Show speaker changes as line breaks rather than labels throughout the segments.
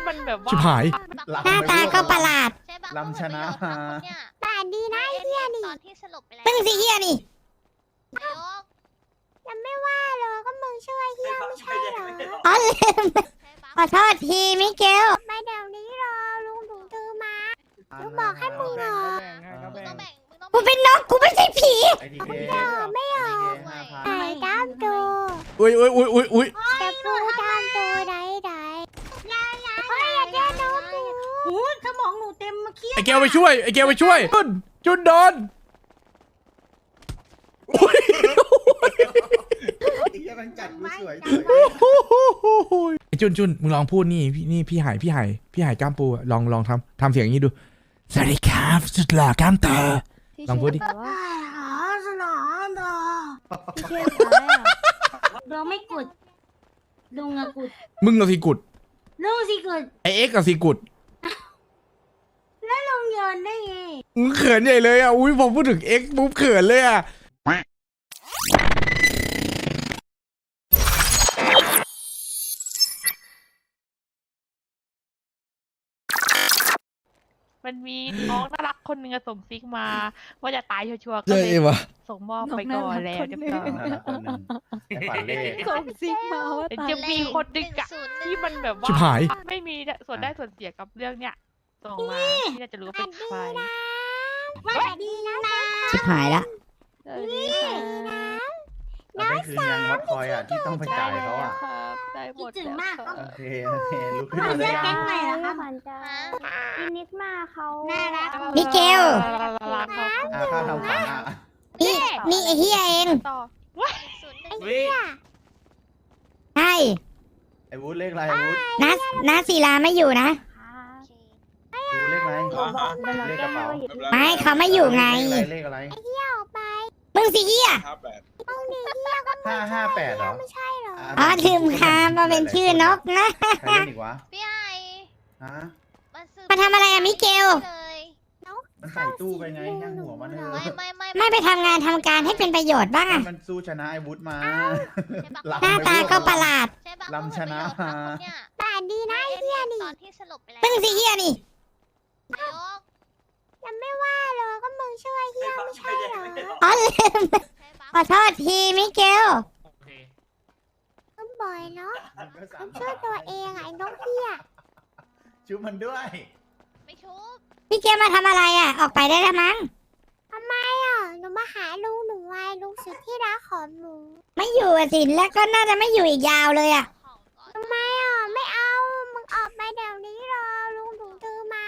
มันแบบว่า
ชิบหาย
หน้าตาก็ประหลาด
ลำชนะมา
ป่านดีนะไอ้เฮียนี่
ตอนที่สลบไปแล้ว
มึงสิเฮียนี่
ยก
ยังไม่ว่าเลยก็มึงช่วยเฮียไม่ใช่เหรอ
ใช่
อ๋อลืม
ใช่ปะ
ขอโทษทีมิเกลมาเดี๋ยวนี้รอลุงถูตือมา ลูกบอกให้มึงเหรอ
มึงต้องแบ่งมึงต้อง
กูเป็นนกกูไม่ใช่ผี
ไอทีเค
ไม่เหรอ
5,000
ไอ้ดามโต
อุ้ยอุ้ยอุ้ยอุ้ยอุ้ย
แต่กูดามโตได้เฮ้ยอย่าแกล้งนกกู
สมองหนูเต็มมาเครียด
ไอ้แกวไปช่วยไอ้แกวไปช่วยจุนโดนอุ้ย
ไอ้เหี้ยมันจัดกูสวย
ไอ้จุนมึงลองพูดนี่พี่หายกล้ามปูอะลองทำเสียงอย่างนี้ดูสวัสดีครับสุดหล่อกล้ามโตลองพูดดิ
หาสนามดอ
พี่เชื่ออะไรอ่ะ
เราไม่กดลุงอะกด
มึงกับสีกุด
ลุงสิกด
ไอเอ็กกับสีกุด
แล้วลุงโยนได้ไง
มึงเขินใหญ่เลยอ่ะอุ้ยพอพูดถึงเอ็กปุ๊บเขินเลยอ่ะ
มันมีน้องน่ารักคนหนึงอะส่งซิกมาว่าจะตายชัวร์ๆก็
ใช่
เลย
ปะ
ส่งมอบไปก่อนแล้วเรียบร้อย
คนหนึ่งไอ้ฝันเล่
ส่งซิกมาว่า
แต่
ตาย
จะมีคนดึกอะที่มันแบบว่า
ชิบหาย
ไม่มีส่วนได้ส่วนเสียกับเรื่องเนี้ยส่งมาที่น่าจะรู้ว่าเป็นใคร
สวัสดีนะ
ชิบหายละ
สวัสดีค่ะ
เราได้คืนยังวัดคอยอ่ะที่ต้องไปจ่ายเขาอ่ะ
ครับได้หม
คิด
ด
ถึง
แล้ว
มาก
ค
ครั
รั
บบ
โอเคลุกขึ้น
ขวั
มา
ญ
ได้
จะ
ยั
แก๊
ง
งใหม่เหรอครับ
ขวัญจะ
ฮะ
อินิกมาเขา
น่ารัก
มิเกล
รักครับ
ค่าทำขวัญอ่ะ
นี่ไอ้เฮียเอง
ต่อ
ใช่
ไอ้วุฒิเลขอะไรวุฒิ
น้าศิลาไม่อยู่นะ
ดูเลขอะไรเลขกระเป๋า
ไม่เขาไม่อยู่ไง
เลขอะไร
มึงสิเฮีย
558เหรอ
อ๋อลืมคำมาเป็นชื่อนกนะ
ใครเล่นอีกวะ
พี่ไอ
ฮะ
มาทำอะไรอะมิเกล
เลย
มันใส่ตู้ไปไงย่างหัวมันเถอะ
ไม่ไปทำงานทำการให้เป็นประโยชน์บ้างอะ
มันสู้ชนะไอ้วุฒิมา
หน้าตาก็ประหลาด
ใช่ปะ
ลำชนะมา
ป่านดีนะไอ้เฮียนี่
ตอนที่สลบไปแล้ว
มึงสิเฮียนี่
ยก
ยังไม่ว่าเลยก็มึงช่วยเฮียไม่ใช่เหรออ๋อลืม
ใช่ปะ
ขอโทษทีมิเกลก็บ่อยเนาะช่วยตัวเองไอ้นกเฮีย
ชุบมันด้วย
ไม่ชุบ
มิเกลมาทำอะไรอะออกไปได้แล้วมั้งทำไมอะหนูมาหาลุงหนูไงลุงสุดที่รักของหนูไม่อยู่อะสิแล้วก็น่าจะไม่อยู่อีกยาวเลยอะ
ของก่อน
ทำไมอ่ะไม่เอามึงออกไปเดี๋ยวนี้รอลุงถูตือมา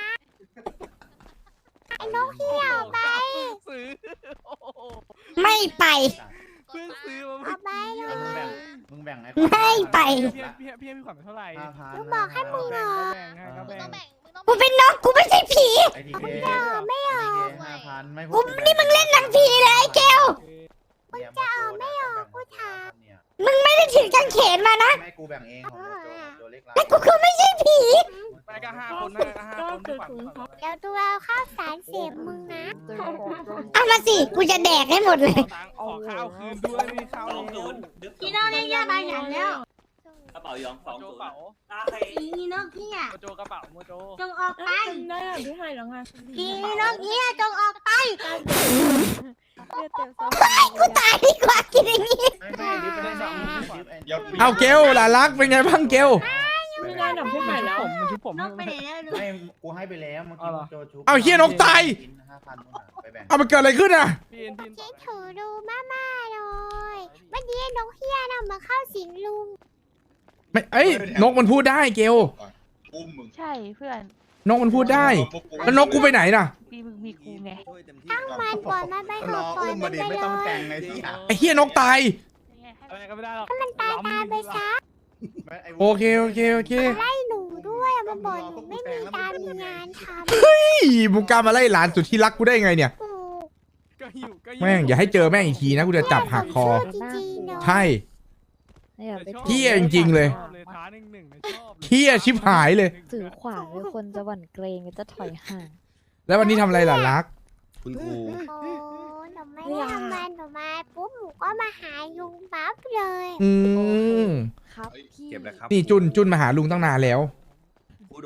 ไอ้นกเหี้ยวไป
ซื้อ
ไม่ไป
เพิ่งซื้อ
อ
มา
อกไปเล
ไอ้
ย
มึงแบ่งไอ้
ไม่ไป
พี่ขวัญเท่าไหร่
5,000
ลุงบอกให้มึงเหรอ
แบ่งให้ครับ
มึง
แบ่
ต้อง งแบ่งมึงต้อง
กูเป็นนกกูไม่ใช่ผี
ไอ้ทีเค
ไม่ออก
5,000ไม่
กูนี่มึงเล่นหนังผีเลยไอ้เกล
มึงจะออกไม่ออกกูถาม
มึงไม่ได้ถือกางเขนมานะ
แม่กูแบ่งเองของตัวเล็ก
แต่กูคือไม่ใช่ผี
ไปก็5 คนนะ5 คนขวัญ
เดี๋ยวตัวเอาข้าวสารเสียบมึงนะเอามาสิกูจะแดกให้หมดเลย
ขอข้าวคืนด้วยมีข้าว
พี่น้องเรียกยาบายอย่างแล้ว
กระเป๋ายองสอง
โจ
ศูน
เป๋า
ย์
พี่นกเฮีย
โจกระเป๋าโมโจ
จงออกไป
ได้อ่ะพี่ให้แล้วไง
พี่นกเฮียจงออกไป
เลือดเต็มสม
กูตายดีกว่ากินอย่างนี้
ไม่ดิบไปได้สองดิบ
เอาเกลหลานรักเป็นไงบ้างเกล
ไม่ได้หนังพี่ใหม่แล้ว
มันชุบผม
นกไปไหนแล้วลุง
ไม่กูให้ไปแล้วเมื่อกี้โจชุบ
เอาเฮียนกตาย
5,000ไปแบ่ง
เอามันเกิดอะไรขึ้นอ่ะ
พี่
คิดถูดูมาเลยวันนี้นกเฮียน่ะมาเข้าสิงลุง
ไม่เอ้ยนกมันพูดได้เกล
อุ้มมึง
ใช่เพื่อน
นกมันพูดได้แล้วนกกูไปไหนน่ะ
มีกูไง
ตั้งมันปล่อยมันไปเถ
ร
อะ
อ
ปล่อย
อุ้ม
มั
มาน ดิ
ไป
ไม่
เล
ต้องแต่
ย
งไงที่
ไอ้เฮียนกตาย
อะไรก็ไม่ได้หรอก
มันตายไปซะ
โอเคโอเคโอเค
ไล่หนูด้วยอะมันบอกหนูไม่มีการมีงานทำ
อีมึงกล้ามาไล่หลานสุดที่รักกูได้ไงเนี่ย
กู
ก็หิวก็
แม่งอย่าให้เจอแม่งอีกทีนะกูจะจับหักคอ
จริงๆเนาะ
ใช่
อย่าไป
เหี้ยจริงๆเลย
ท้าหนึ่งชอบ
เฮียชิบหายเลย
ถือขวานเลยคนจะหวั่นเกรงจะถอยห่าง
แล้ววันนี้ทำอะไรหลานรัก
คุณครู
โอ้หนูไม่ได้ทำงานหนูมาปุ๊บหนูก็มาหายุงปั๊บเลย
อืม
ครับ
เก็บนะครับ
นี่จุนมาหาลุงตั้งนานแล้ว
ผู้โด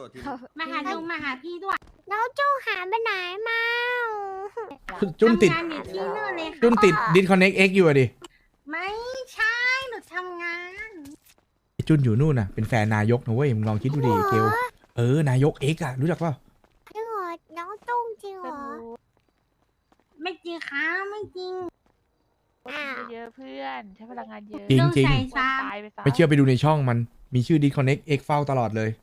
ดที
มาหาลุงมาหาพี่ด้วย
น้องจูหาไปไหนมา
จุนติด
ทำงานอยู่ที่นู่นเลยค่ะ
จุนติดดิสคอนเน็กเอ็กอยู่อะดิ
ไม่ใช่หนูทำงาน
ไอ้จุนอยู่นู่นน่ะเป็นแฟนนายกนะเว้ยมึงลองคิดดูดิเกลนายกเอ็กอะรู้จักเปล่า
จริงเหรอน้องจุ้งจริงเหรอ
ไม่จริงค่ะไม่จริง
เยอะเพื่อนใช้พลังงานเยอะ
จริง
ลุง
จริง
ใส่
ตา
ซ้ำ
ยไปซะ
ไม่เชื่อไปดูในช่องมันมีชื่อดิสคอนเน็กเอ็กเฝ้าตลอดเลย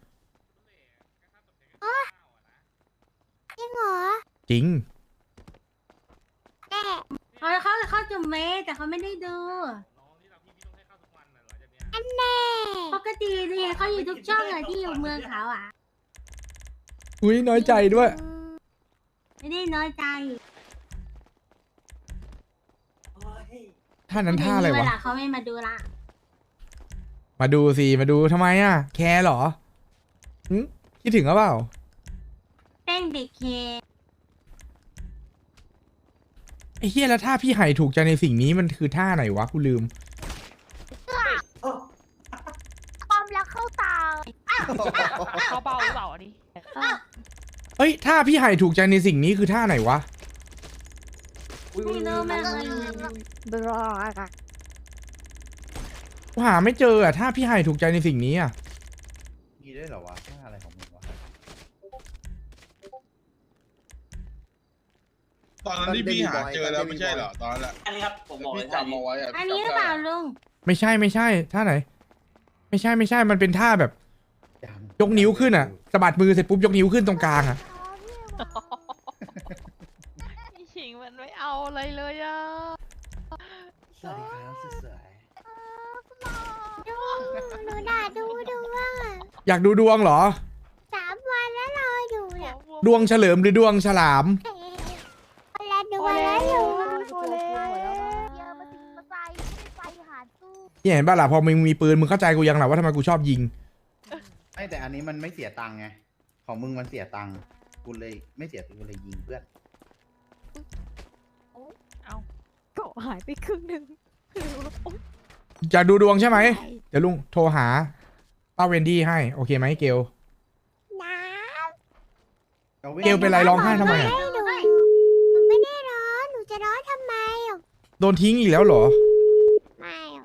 จริงเหรอ
จริง
แน่
เขาจุ่มเมแต่เขาไม่ได้ดู
อันแน่
ปกติเนี่ยเขาอยู่ทุกช่องอะที่อยู่เมืองเขาอ่ะ
อุ้ยน้อยใจด้วย
ไม่ได้น้อยใจ
ท่านั้นท่าอะไร
เว
วะ
ลาเขาไม่มาดูละ
มาดูสิมาดูทำไมอะแคร์เหรอหึคิดถึงหรือเปล่า
เต้นเด็กเค
ไอ้เฮียแล้วท่าพี่ไห่ถูกใจในสิ่งนี้มันคือท่าไหนวะกูลืม
ความรักเข้าตา
เขาเบาหรือเปล่าอันนี้
เอ้ยท่าพี่ไห่ถูกใจในสิ่งนี้คือท่าไหนวะ
ไม่รู้ไม่เคย
บรออะ
กูหาไม่เจออะท่าพี่ไห่ถูกใจในสิ่งนี้อะ
มีด้วยเหรอวะท่าอะไรของมึงวะ
ตอนนั้นที่พี่หาเจอแล้วไม่ใช่เหรอตอนนั้นแหละอันนี้ครับผมบอกเลยจำเอาไว้อะ
อันนี้หรือเปล่าลุง
ไม่ใช่ท่าไหน ไม่ใช่มันเป็นท่าแบบ ยกนิ้วขึ้นอะสะบัดมือเสร็จปุ๊บยกนิ้วขึ้นตรงกลางอะ
พี่ชิงมันไม่เอาอะไรเลยอ่ะ
สวัสดีครับสวย
หนูด่าดูว่า
อยากดูดวงเหรอ
3 วันแล้วรออยู่เนี่ย
ดวงเฉลิมหรือดวงฉลาม
แล้วดูวันแล้วอยู่
โอเล่
เยอะมาสิมาใส่ไม่ไปหาสู้
เนี่ยเห็นป่ะล่ะพอมึงมีปืนมึงเข้าใจกูยังหรอว่าทำไมกูชอบยิง
ๆไม่แต่อันนี้มันไม่เสียตังค์ไงของมึงมันเสียตังค์กูเลยไม่เสียตังค์กูเลยยิงเพื่อน
เกาะหายไปครึ่งหนึ่ง
อยากดูดวงใช่ไหมเดี๋ยวลุงโทรหาป้าเวนดี้ให้โอเคไหมเกล
น้
เกลเป็นไรร้องไห้ทำไมอะ
ำหนูไม่ได้ร้อนหนูจะร้อนทำไมอ่ะ
โดนทิ้งอีกแล้วเหรอ
ไม่อ่ะ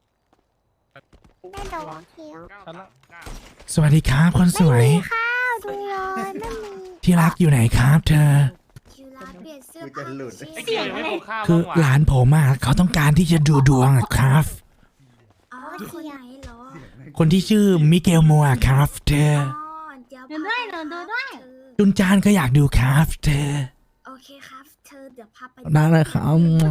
ไม่โดนเคี้ยว
ฉันละ
สวัสดีครับคนสวย
ข้าวดูเลยไม่มี
ที่รักอยู่ไหนครับ เธอ
คิวลาเปลี่ยนเสื้อ
กูจะหลุด
ไอ้เกียร์ไม่ปลูกข้าว
คือ
บ้างวะ
หลานผมอะเขาต้องการที่จะดูดวงอะครับ
อ๋อเสียงเหรอ
คนที่ชื่อมิเกลโมอะครับ เธอ
เดี๋ยว
ดูด้วยหนูดูด้วย
จุนจานก็อยากดูครับ เธอ
โอเคครับ เธอเดี๋ยวพาไป
ได้เลยครับ
เสียง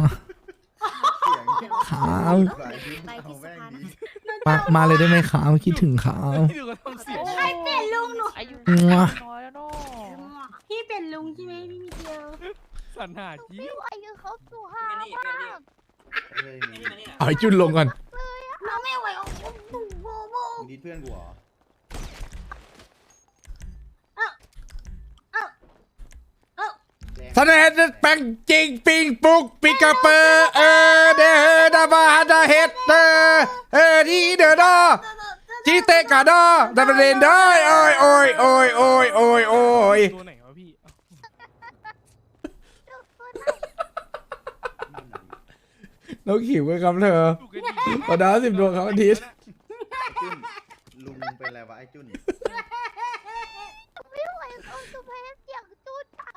ครับ
ไปที่สะพานนะ
มาเลยได้ไหมครับคิดถึงครับ
ดูก็ต้องเสียง
ใครเปลี่ยนลุงหนู
อายุ
มั่ว
น้อยแล้วเนาะ
พี่เป็นลุงใช่ไหมพี่มิเกล
สันหาจี
ไม่ไหวคือเขาสู้ห้ามาก
เฮ้ยมี
เอาไอ้จุนลงก่อน
น้องไม่ไหวโอ้โหโบโบ
มึงดิดเพื่อนกูเหรอ
สนเดแปงจริงปิงปุกปิกาเปอร์เดดาบาดาเฮดดีเดอดอจีเตกาดอดาเรนได้โอ้ยโอ้ยโอ้ยโอ้ยโอ้ยโอ้ย
ตัวไหนวะพี่
น้องขิวกันครับเธอ
ดูกันดี
ต่อดาว10 ดวงครับอาทิตย์
จุนลุงเป็นอะไรวะไอ้จุน
ไม่ไหวเขาสู้เพชรเสียงจุดอ่ะ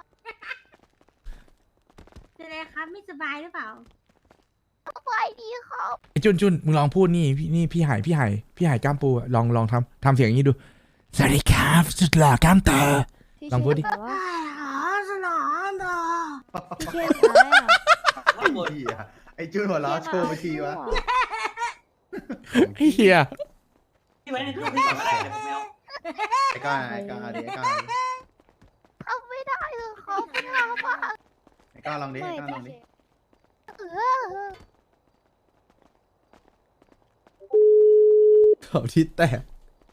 เป็นไรครับไม่สบายหรือเปล่า
ไหวดีเขา
ไอ้จุนมึงลองพูดนี่พี่หายกล้ามปูอะลองทำเสียงอย่างนี้ดูสวัสดีครับสุดหล่อกล้ามโต
ที่
ลองพูดดิ
ชื่ว่า
สนองดอ
พี่เคนอะไรอ่ะ
ไอ้เหี้ยไอ้จุนหัวเราะโชว์ไปทีวะ
ไอ้เฮีย
ที่ไว้ในตู้พี่ก่อนก็ได้เดี๋ยวผมไม่เอา
ไอ้ก้าไอ้ก้าดิไอ้ก้า
เขาไม่ได้คือเขาไม่เอามาก
ไอ้ก้าลองดิไอ้ก้าลองดิ
เขาที่แตก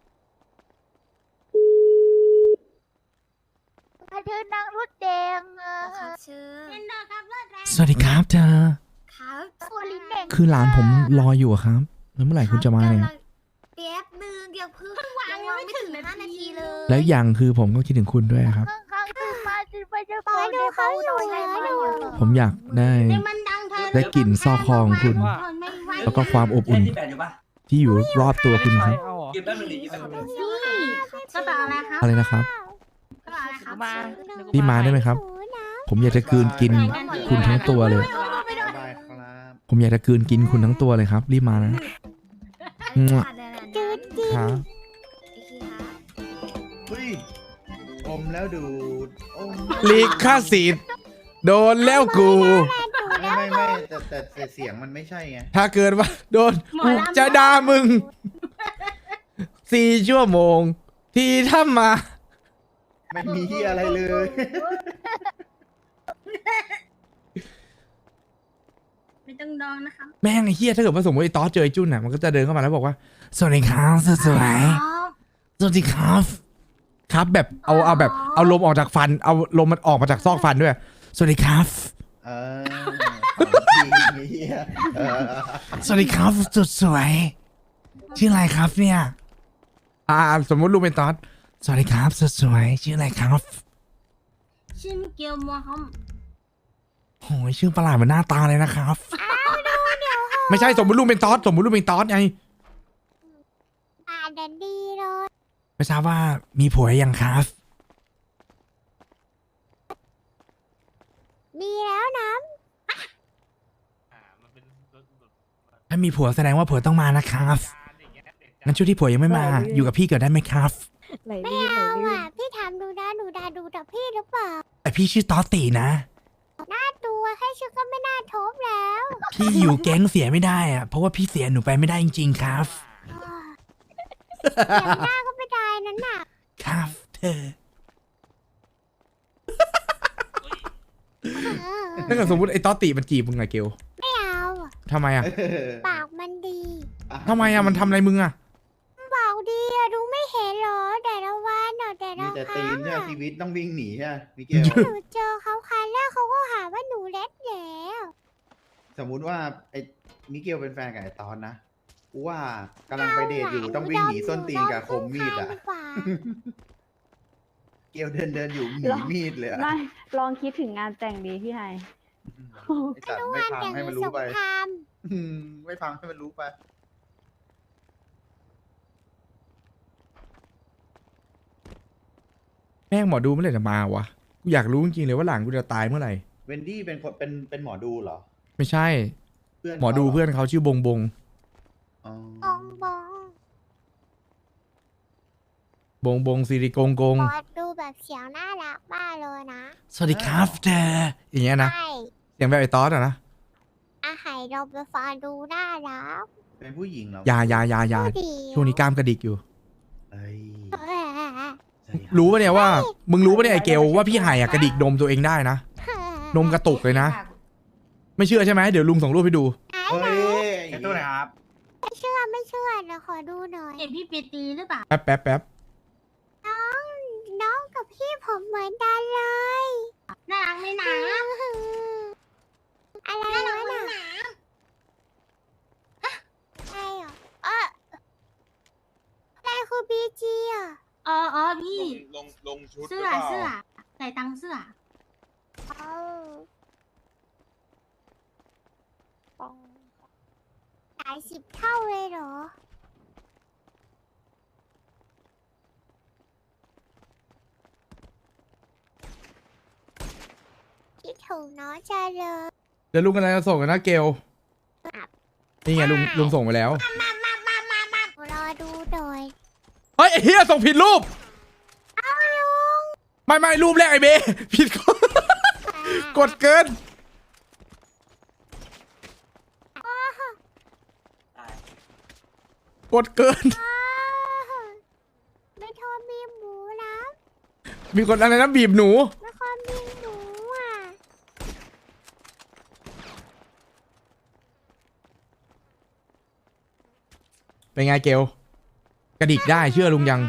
เธอนั่งรถแดง
ครับเชิญ
เป็นดอครับเลิศแล้ว
สวัสดีครับเธอ
ครับ
ตัวลิ้นแดง
คือหลานผมรออยู่อะครับแล้วเมื่อไหร่คุณจะมาเนี่ย
แป๊บนึงเดี๋ยวเพิ่งวางยังไม่ถึง5 นาทีเลย
แล้วอย่างคือผมก็คิดถึงคุณด้วยครับ
ข้างๆตื่นมาตื่นไปจะ
ปล่อยดูเขาอยู่
ไง
เหรอ
ผมอยากได้
เดี๋ยวมันดังเธอ
ได้กลิ่นซอกคอของคุณ
ทนไม่ไหว
แล้วก็ความอบอุ่นที่อยู่รอบตัวคุณครับ
เอาเหรอ
นี่กระเป๋าอะไรครับ
อะไรนะครับ
กระเป๋าอะไรครับ
มา
รีบมาได้ไหมครับ ผมอยากจะกลืนกินคุณทั้งตัวเลย
ได้ครับ
ผมอยากจะกลืนกินคุณทั้งตัวเลยครับ รีบมานะมั่ว
จืดจี
ครับ
เฮ้ยอมแล้วดูดอม
ลิขสิทธิ์โดนแล้วกู
ไม่แต่เสียงมันไม่ใช่ไง
ถ้าเกิดว่าโดน
หมอ
กู
ลำ
จะด่ามึง 4 ชั่วโมง ที่ทำมา
ไม่มีที่อะไรเลย
ไม่ต้องดองนะครับ
แม่งไอ้เฮียถ้าเกิดว่าสมมติไอ้ต๊อดเจอไอ้จุนอ่ะมันก็จะเดินเข้ามาแล้วบอกว่าสวัสดีครับสวยๆสวัสดีครับครับแบบเอาแบบเอาลมออกจากฟันเอาลมมันออกมาจากซอกฟันด้วยสวัสดีครับ
เออของจริงเฮียเออ
สวัสดีครับสุดสวยชื่ออะไรครับเนี่ยสมมติลูกเป็นต๊อดสวัสดีครับสุดสวยชื่ออะไรครับ
ชื่อมิเกลมัวครับ
โอ้ยชื่อประหลาดเหมือนหน้าตาเลยนะครับไม่ใช่สมมติลูกเป็นต๊อดสมมติลูกเป็นต๊อดไง
เดินดีเลย
ไม่ทราบว่ามีผัวยังครับ
มีแล้วนะ
ถ้ามีผัวแสดงว่าผัวต้องมานะครับงั้นช่วงที่ผัวยังไม่มาอยู่กับพี่เกิดได้ไหมครับ
ไหล
ไม่
ลื่นไหล
เอา
ลื่น
อ่ะพี่ถามดูนะดูดาดูแต่พี่หรือเปล่า
แต่พี่ชื่อต๊อตตีนะ
ตัวแค่ชื่อก็ไม่น่าทบแล้ว
พี่อยู่แก๊งเสียไม่ได้อะเพราะว่าพี่เสียหนูไปไม่ได้จริงๆครับ
เสียงหน้าก็ไม่ได้นั่นน่ะ
ครับเธอ ถ้าเกิดสมมติไอ้ต๊อตตีมันจีบมึงไงเกล
ไม่เอาอะ
ทำไมอะ
ปากมันดี
ทำไมอะมันทำอะไรมึงอะ
ปากดีอะดูไม่เห็นเหรอแต่ละวันเนอะแต่
มี
ละ
แต่
ค
ตี
รั้
น
ง
ใช่ไหม
อะ
ชีวิตต้องวิ่งหนีใช่ไหมมิเกล
หนูเจอเขาครั้งแรกเขาก็หาว่าหนูเล็ดแล้ว
สมมุติว่าไอ้มิเกลเป็นแฟนกับไอ้ตอนนะกูว่ากำลังไปเดทอยู่ต้องวิ่งหนีส้นตีนกับคมมีดอ่ะ
ดีกว่า
เกลเดินอยู่หนีมีดเลยอะ
ไม่ลองคิดถึงงานแต่งดีพี่ไฮ
ไอ้สัตว์ไม่พังให้มันรู้ไป
สงคราม
ไม่พังให้มันรู้ไป
แม่งหมอดูเมื่อไหร่จะมาวะกูอยากรู้จริงๆเลยว่าหลานกูจะตายเมื่อไหร่
เวนดี้เป็นคนเป็นหมอดูเหรอ
ไม่ใช่
เพื่อน
หมอดูเพื่อนเขาชื่อบงบง
อ๋อ
บองบอง
บงบงสิริกงกง
บอสดูแบบเสียงน่ารักมากเลยนะ
สวัสดีครับเธออย่างเงี้ยนะ
ใช่
เสียงแบบไอ้ต๊อดอะนะ
อาหารเราไปฟังดูน่ารัก
เป็นผู้หญิงเหรอ
อยา
ดูดี
ช่วงนี้กล้ามกระดิกอยู่
เอ้ย
เออ
รู้ปะเนี่ยว่า มึงรู้ปะเนี่ยไอ้เกลว่าพี่ไห่อะกระดิกนมตัวเองได้นะ นมกระตุกเลยนะ ไม่เชื่อใช่ไหมเดี๋ยวลุงส่งรูปให้ดู
เฮ้ย
ไอ้ตู้ไหนครับ
ไม่เชื่อนะขอดูหน่อย
เห็นพี่ปีตีหรือเปล่า
แป๊บแป๊บแป๊บ
น้องกับพี่ผมเหมือนกันเลย
น่ารักไหมนะ
อะไร
น่ารัก
วะ
ไหม
น่ะ
นะ
ใช่เหรออะไรคือบีจีอ่ะ
อ๋อพี่
ลงชุด
เสื้อใส่ตังค์เสื้อ
เอาหลายสิบเท่าเลยเหรอ คิดถึงน้องจังเลย
เดี๋ยวลุงกำลังจะส่งกันนะเกลนี่ไงลุงส่งไปแล้ว
รอดูหน่อย
เฮ้ยไอ้เฮียส่งผิดรูป
เอาลุง
ไม่รูปแรกไอ้เบ ผิดคนกดเกิน กดเกิน
ไม่ทอมีหมูนะ
มีคนอะไรนะบีบหนู
ไม่ค่อยมีหมูอ่ะ
เป็นไงเกลกระดิกได้เชื่อลุงยัง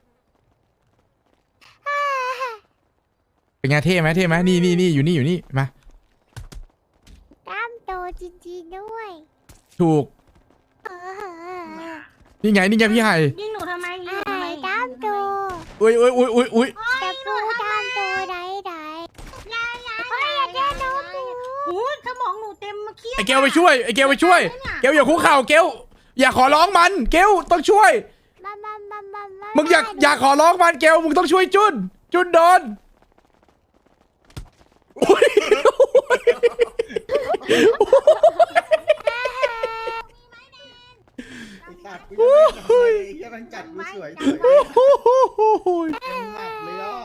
เป็นไงเท่ไหมนี่อยู่นี่มา
กล้ามโตจริงๆด้วย
ถูก
เออ
นี่ไงพี่ไห่
ยิงหนูทำไมยิงหนูทำไม
กล้ามโต
อุ้ยอุ้ยอุ้ยอุ้ยอุ้ย
แต่ปูดำตัวใดใดเฮ้ยอย่าเดี๋ยวน้องหนู
โอ้ยสมองหนูเต็มมาเครียด
ไอ้เกลไปช่วยไอ้เกลไปช่วยเกลอย่าคุกเข่าเกลอย่าขอร้องมันเกลต้องช่วย
มา
มึงอย่าขอร้องมันเกลมึงต้องช่วยจุนโดนอุ๊ย
ไอ้สัตว์กูยังไม่ทำเลยไอ้เหี้ยมันจัดกูสวย เต็มหมัดเลยอ่ะ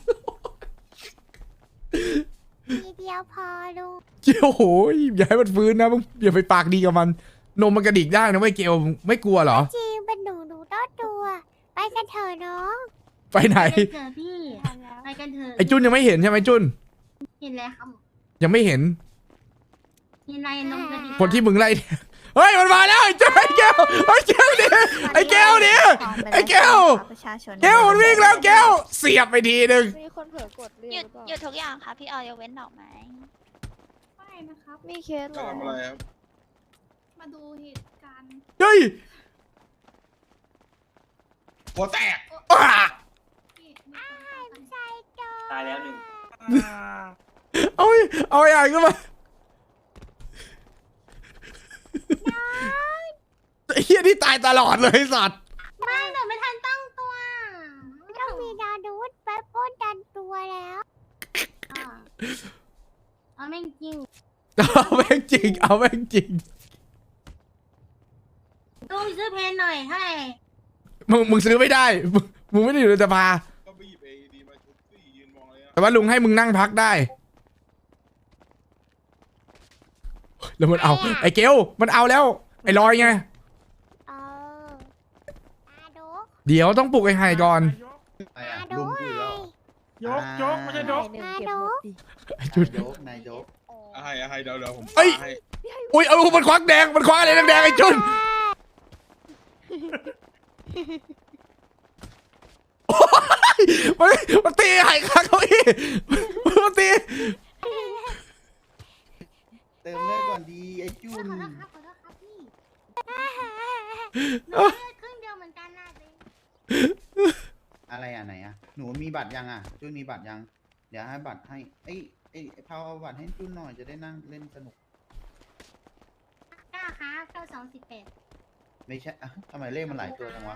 ทีเดียวพอลูก
เกลโหยอย่าให้มันฟื้นนะมึงอย่าไปปากดีกับมันนมมันกระดิกได้นะไม่เกลไม่กลัวเหรอ
จริงเป็นหนูต้องตัว ไปกันเถอะน้อง
ไปไหน
ไปกันเถอะพี่ไปกันเถอะ
ไอ้จุนยังไม่เห็นใช่ไหมจุน
เห็นแล้วครับ
ยังไม่เห็น
เห็นอะไรนมกระดิก
คนที่มึงไล่เฮ้ยมันมาแล้วไอ้จุนไอ้เกลไอ้เกลดิไอ้เกลดิไอ้เกล
ประชาชน
เกลมันวิ่งแล้วเกลเสียบไปทีนึง
มีคนเผลอกดเรีย
ห
ก
ยุด
หรือเปล่า
หยุดทุกอย่างค่ะพี่ออยยกเว้นดอกไม้
ไม่นะครับ
มีเคสเหร
จะ
อ
ทำอะไรครับ
มาดูเหตุการณ์
เฮ้ย
หัวแตก
อ้า
ใจโต
ตายแล้วหนึ่ง
เอาไอ้อ่านขึ้นมาไอ้เฮียนี่ตายตลอดเลยไอ้สัตว์
ไม่หนูไม่ทันตั้งตัว
ต้องมีดาดูดไปป้นดันตัวแล้ว
เอาแม่งจริง
เอาแม่งจริงเอาแม่งจริง
ต้องไปซื้อเพนหน่อยให้
มึงซื้อไม่ได้มึงไม่ได้อยู่ในสภา
ก็ไปหยิบAEDมาชุบสิยืนมองเลยนะ
แต่ว่าลุงให้มึงนั่งพักได้แล้วมันเอาไอ้เกลมันเอาแล้วไอ้ลอยไง
เออตาดู
เดี๋ยวต้องปลุกไอ้ไห่ก่อน
ไอ้
ตา
อะ
ดู
ลุงคือแล้ว
ยกไม่ใช่ยก
หนึ่งเก็บหมดดิ
ไอ้จุด
นายก
ให้เดี๋ยวผม
เอ้ย
ให้
อุ้ยเอามันควักแดงมันควักอะไรแดงๆไอ้จุนมันตีไห่ข้างเขาอีกมันตี
เติมเลือดก่อนดีไอ้จุ
ข
น
อโทษครับขอโทษครับพี่หนูเลือดครึ่งเดียวเหมือนกันนะเบน
อะไรอ่ะไหนอ่ะหนูมีบัตรยังอ่ะจุนมีบัตรยัง เดี๋ยวให้บัตรให้ไอ้พาวเอาบัตรให้จุนหน่อยจะได้นั่งเล่นสนุก
9ครับ9218
ไม่ใช่อ่ะทำไมเลขมันหลายตัวจังวะ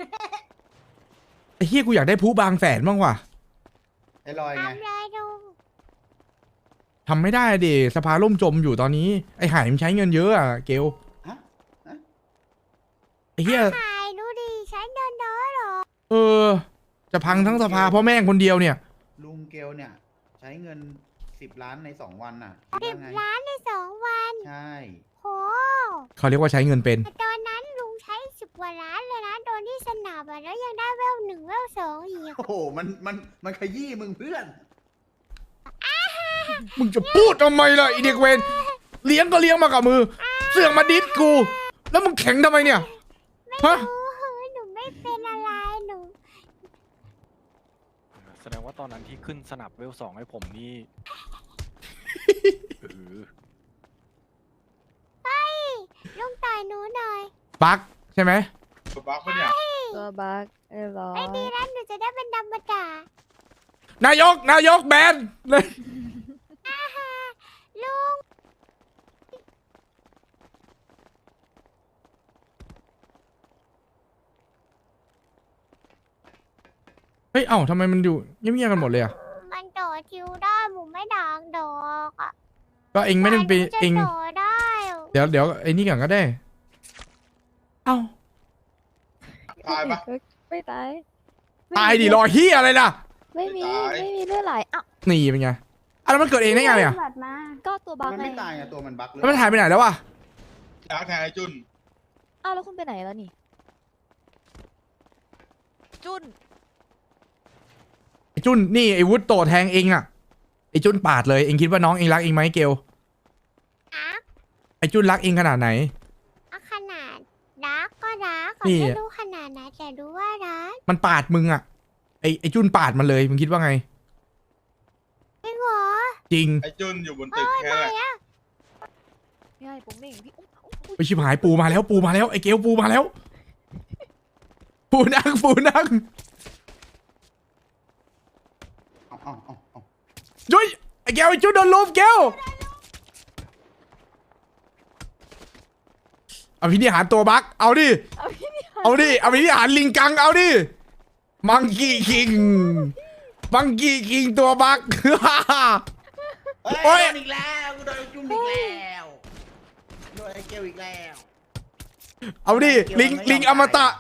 ไอ้เฮียกูอยากได้ผู้บางแสนบ้างว่ะ
ไอ้ลอยไง
ทำเลยดู
ทำไม่ได้ดิสภาล่มจมอยู่ตอนนี้ไอ้ไห่มันใช้เงินเยอะอะเกล
ฮะ
ไอ้เฮีย
ถ่ายดูดิฉันเดินน้อยหรอ
เออ จะพังทั้งสภาเพราะแม่งคนเดียวเนี่ย
ลุงเกลเนี่ย ใช้เงิน10 ล้านใน2 วันน่ะคิดว่าไง
10 ล้านใน2 วัน
ใช่
โห
เขาเรียกว่าใช้เงินเป็น
แต่ตอนนั้นลุงใช้10 กว่าล้านเลยนะโดนที่สนามอะแล้วยังได้เวล 1 เวล 2 อีก
โอ้โหมันขยี้มึงเพื่อน
มึงจะพูดทำไมล่ะไอเด็กเวนเลี้ยงก็เลี้ยงมากับมือ เสือกมาดิสกู แล้วมึงแข็งทำไมเนี่ยฮะ
โอ้โหหนูไม่เป็นอะไรหนู
แสดงว่าตอนนั้นที่ขึ้นสนับเวล 2ให้ผมนี่
ลุงต่อยหนูหน่อย
บักใช่ไหม
ตัวบักปะเนี่ย
ตัวบักร้อ
ไอ้
ย
ดีแล้วหนูจะได้เป็นดำมาด่าน
ายกแบนเลย
ลุง
เฮ้ยเอ้าทำไมมันอยู่เงียบๆกันหมดเลยอ่ะ
มันต่อคิวได้หมูไม่ด่างดอกอะ
ก็เองไม่ได้ไป
หนูจะ
เอง
ต่อได้อะ
เดี๋ยวไอ้นี่ก่อนก็ได้ เอ้า
ตายปะ
ไม่ตาย
ตายดิรอเฮียอะไรล่ะ
ไม่มี
ไม่ตาย
ไม่มีเลือดไหลอ้าว
นี่เป็นไงอ่ะแล้วมันเกิดเองได้ไงเนี่ย
บัตรมา
ก็ตัวบัก
มัน
ไง
ไม่ตายอ่ะตัวมันบั๊กหรือ
แล้วมันหายไปไหนแล้ววะ
อยากแทนไอ้จุน
อ้าวแล้วคุณไปไหนแล้วนี่ จุน
ไอ้จุนนี่ไอ้วุฒโตแทงเองอ่ะไอ้จุนปาดเลยเองคิดว่าน้องเองรักเองไหมเกล
อะ
ไอ้จุนรักเองขนาดไหน
อะขนาดรักก็รัก
นี่
ไม่รู้ขนาดไหนแต่รู้ว่ารัก
มันปาดมึงอ่ะไอ้จุนปาดมันเลยมึงคิดว่าไง
จริงเหรอ
จริง
ไอ้จุนอยู่บนตึกแค่นั้นแหละ
พี่ไอ้ผมเองพี่อุ๊ย
ไปชิบหายปูมาแล้วไอ้เกลปูมาแล้ว ปูนั่งจุ้ยไอ้แก้วไอ้จุ้ยโดนลุมแก้วอภินิหารตัวบักเอาดิเอาดิอภินิหารลิงกังเอาดิมังกี้คิงมังกี้คิงตัวบัก โอ้ย
โดนอีกแล้วกูโดนจุ่มอีกแล้วโดนไอ้เกลอีกแล้ว
เอาดิลิงอมตะ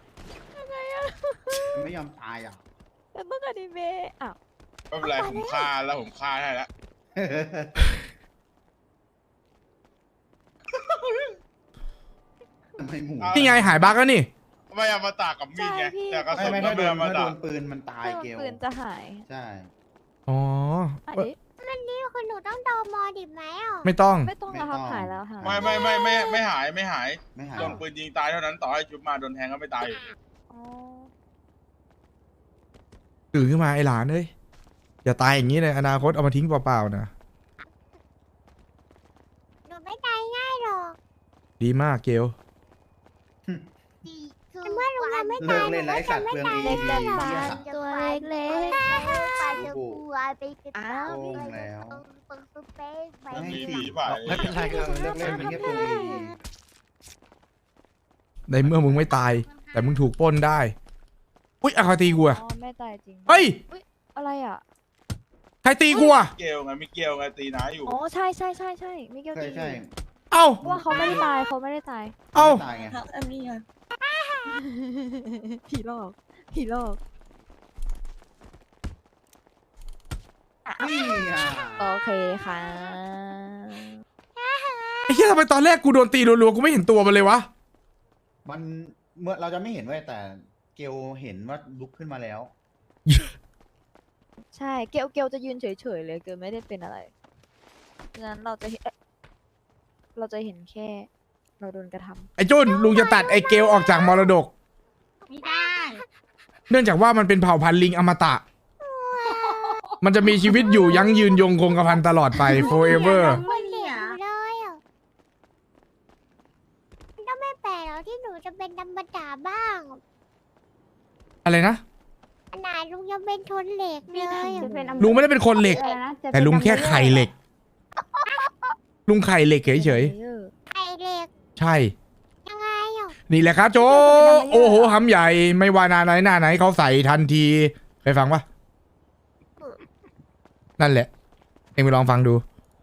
ไม่ยอมตายอ่ะ
แล้วต้องอนิเมะอ้าว
ไม่เป็นไรผมฆ่าแล้วผมฆ่าได้แล้ว
ทำไมหมู
นี่ไงหายบักแล้วนี่
ไม่เอามาตากกับมีดไงแต่กระสุน
ไม่
ก็
ถ้าโด
ไม่
น
เอามา
ถ้าโด
ตาก
นปืนมันตายเกล
ปืนจะหาย
ใช่
อ๋อ
อ่ะ
เอ้ย
เอ๊ะ
นี่คือหนูต้องโดนมอดิบไหมอ่ะ
ไม่ต้อง
ไม่ต้องแล้วครับหายแล้วหาย
ไม่หาย
ไม่หาย
โดนปืนยิงตายเท่านั้นต่อให้ชุบมาโดนแทงก็ไม่ตายอยู่
อ๋อ
ตื่นขึ้นมาไอ้หลานเอ้ยอย่าตายอย่างนี้เลยอนาคตเอามาทิ้งเปล่าๆนะ
หนูไม่ตายง่ายหรอก
ดีมากเกล
แต่เมื่อลุงยังไม่
เลิ
ตาก ยหนู
เล่นไร
ก็
สั
จะ
ตว์
ไม่
เปลือง
ตาย
เอ
เล็ก
ดี
แต่
เหี้ย
ตัวเล็ก
ปลาจะกลัวไปกระ
อ้าว
โกงแล้ว
ปึ้งเป๊กไป
ไม่
มี
สิ
ผีป่ะ
ไม่เป็นไรครับ
เลิกเล่นเป็นแค่เปลืองเอดี
ในเมื่อมึงไม่ตาย แต่มึงถูกปล้นได้อุ้ยอะใครตีกูอะ
อ๋อไม่ตายจริง
เฮ้ย
อะไรอ่ะ
ใครตีกูอะ
เกลไงไม่เกลไงตีน้าอยู่
อ๋อใช่ใช่ใช่ใช่มิเกล
ใช่
ตี
ใช่
เอ้า
เพราะว่าเขาไม่ได้ตายเขาไม่ได้ตาย
เอ้า
ตายไง
อันนี้ค่ะ
ผีหลอกผีหลอก
นี่อ่ะ
โอเคค่ะ
ไอ้เหี้ยทำไมตอนแรกกูโดนตีรัวๆกูไม่เห็นตัวมันเลยวะ
มันเมื่อเราจะไม่เห็นเว้ยแต่เกลเห็นว่าลุกขึ้นมาแล้ว
ใช่เกลจะยืนเฉยๆเลยเกลไม่ได้เป็นอะไรฉะนั้นเราจะเห็นเราจะเห็นแค่ เราโดนกระทำ
ไอ้จุนลุงจะตัดไอ้เกลออกจากมรดก
ไม่ได้
เนื่องจากว่ามันเป็นเผ่าพันธุ์ลิงอมตะ มันจะมีชีวิตอยู่ยั้งยืนยงคงกระพันตลอดไป forever
คนเด็กอยู่เลยอ่ะมันก็ไม่แปลกหรอกที่หนูจะเป็นดำบดาบ้าง
อะไรนะ
ขนาดลุงยังเป็นทนเหล็กเลยอะ
จะเป็น
ลุงไม่ได้เป็นคนเหล็ก
อะไรนะจะเป็น
แต่ลุงแค่ไข่เหล็ก ลุงไข่เหล็กเฉย
ไข่เหล็ก
ๆ ใช่
ยังไงอ่ะ
นี่แหละครับโจ โอ้โหหำใหญ่ ไม่ว่าหน้าไหนเขาใส่ทันทีเคยฟังปะนั่นแหละ เอ็งไปลองฟังดู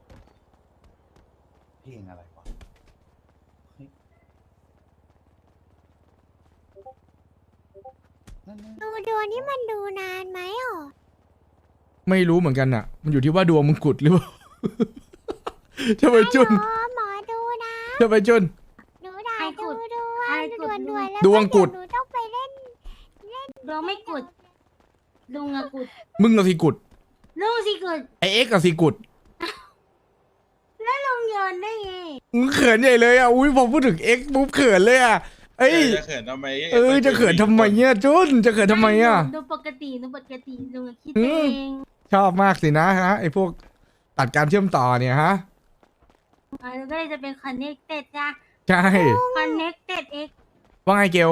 เพลงอะไรวะเฮ้ยนั่นๆ
ดูดวงนี่มันดูนานไหมอ่ะ
ไม่รู้เหมือนกันอ่ะ มันอยู่ที่ว่าดวงมึงกุดหรือเปล่า จะไปจุน
หมอดูนะ
จะไปจุน
หนูด่า
ใคร
ดู
ขุด
ดว
ใครง ขุ
ด่
ด
วน
ลุ
ด่วน
ง
แล้ว
ดวงกุด
หนูต้องไปเล่น
ดวงไม่กุดลุงอะกุด
มึงกับสีกุด
ลุงสิกุด
ไอเอ็กซ์กับสีกุด
ลุงโยนได้ไง
มึงเขินใหญ่เลยอ่ะ อุ้ยพอพูดถึงเอ็กซ์ปุ๊บเขินเลยอ่ะ เอ้ย
จะเขินทำไม
จะเขินทำไมเนี่ยจุนจะเขินทำไมอ่ะ
ดูปกติลุงอะคิด
อื
เอ
ม
ง
ชอบมากสินะฮะไอพวกตัดการเชื่อมต่อเนี่ยฮะ
แล้วก็เลยจะเป็น connected จ้ะ
ใช่
connected x
ว่าไงเกล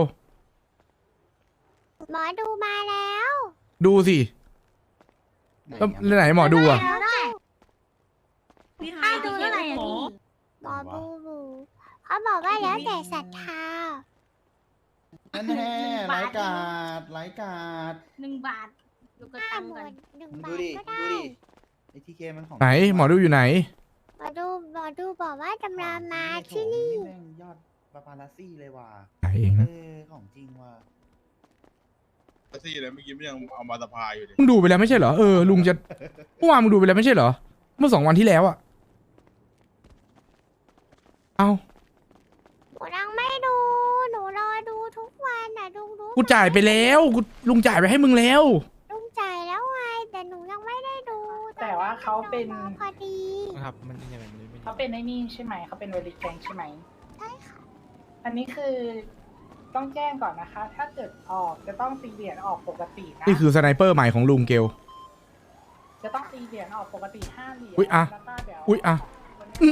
หมอดูมาแล้ว
ดูสิ
ไหน
แล้ว
อะ
ไหนหมอดูอ่ะ
แล้วได้พี่ค่าดูเท่าไหร่อะพี่
หมอบูบูเขาบอกว่าแล้วแต่ศรัทธา
นั่นแน่ไร้กาดไร้กาด
1 บาทดูกระ
ห้า
ตัง
ห
ก่
มื่
อน
นหนึ่ง
มึง
บา
ดู
ท
ดิ
ก็
มึง
ได้
ดูดิไอทีเคมันของ
ไหนหมอดูอยู่ไหน
หมอดูบอกว่าจำรามาที่
นี่
นี่
แม่งยอดปาปาลัสซี่เลยว่ะ
ไหนเองนะ
ของจริงว่ะ
ซี่เลยเมื่อกี้มันยังเอามาสะพายอยู่เลย
มึงดูไปแล้วไม่ใช่เหรอ เออ ลุงจะเมื่อวานมึงดูไปแล้วไม่ใช่เหรอ เมื่อ2 วันที่แล้วอ่ะ เอา
หนูยังไม่ดู หนูรอดูทุกวันน่ะลุงรู้
กูจ่ายไปแล้วลุงจ่ายไปให้มึงแล้ว
ลุงจ่ายแล้วไงแต่หนูยังไม่ได้ดู
แต่ว่าเขาเป็น
ตอนนี้หนูรอพอดี
นะครับ มันยังไงมันไม่
เขาเป็นไอ้นี่ใช่ไหมเขาเป็นเวลิแกงใช่ไหม
ใช่ค่ะ
อันนี้คือต้องแจ้งก่อนนะคะ ถ้าเกิดออกจะต้องตีเหรียญออกปกตินะ
นี่คือสไนเปอร์ใหม่ของลุงเกล
จะต้องตีเหรียญออกปกติ5 เหรียญ
อุ๊ยอ่ะ
แล้วก็เดี๋ยว
อุ๊ยอ่ะ
วันนี้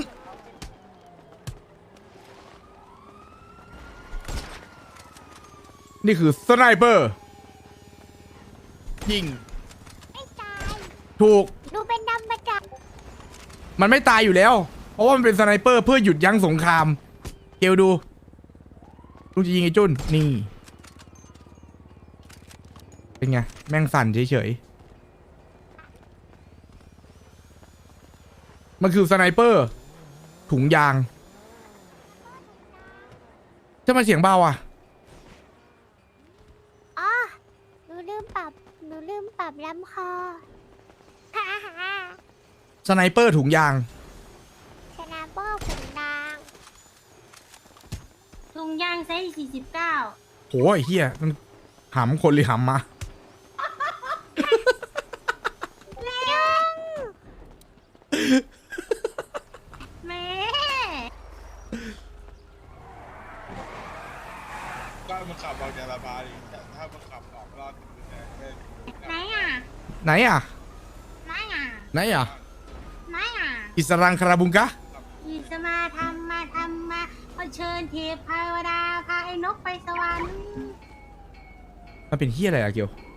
นี่คือสไนเปอร์ ยิง
ไม่ตาย
ถูก
หนูเป็นดำประจักษ์
มันไม่ตายอยู่แล้ว เพราะว่ามันเป็นสไนเปอร์เพื่อหยุดยั้งสงคราม เกลดูลูกจะยิงไอ้จุนนี่ เป็นไง แม่งสั่นเฉยๆ มันคือสไนเปอร์ ถุงยางจะมาเสียงเบาอ่ะ
อ๋อหนูลืมปรับลำคอฮ่าฮ่า
สไนเปอร์ถุงยาง
ชนะเบอร์ขุนนาง
ถุงยางไซส์49
โหไอ้เฮียมันหำคนหรือหำมา
แม่
ก็มันขับออกจากละพาดิถ้ามันขับออกรอดถึงแสนไม่
ไหนอ่ะ
ไหนอ่ะ
ไหนอ่ะ
ไหนอ่ะ
ไหนอ่ะ
อิสรังคาราบุงกะ
อิสมาทำมาขอเชิญเทพเทวดาพาไอ้นกไปสวรรค์
มันเป็นเฮียอะไรอะเกียว
เ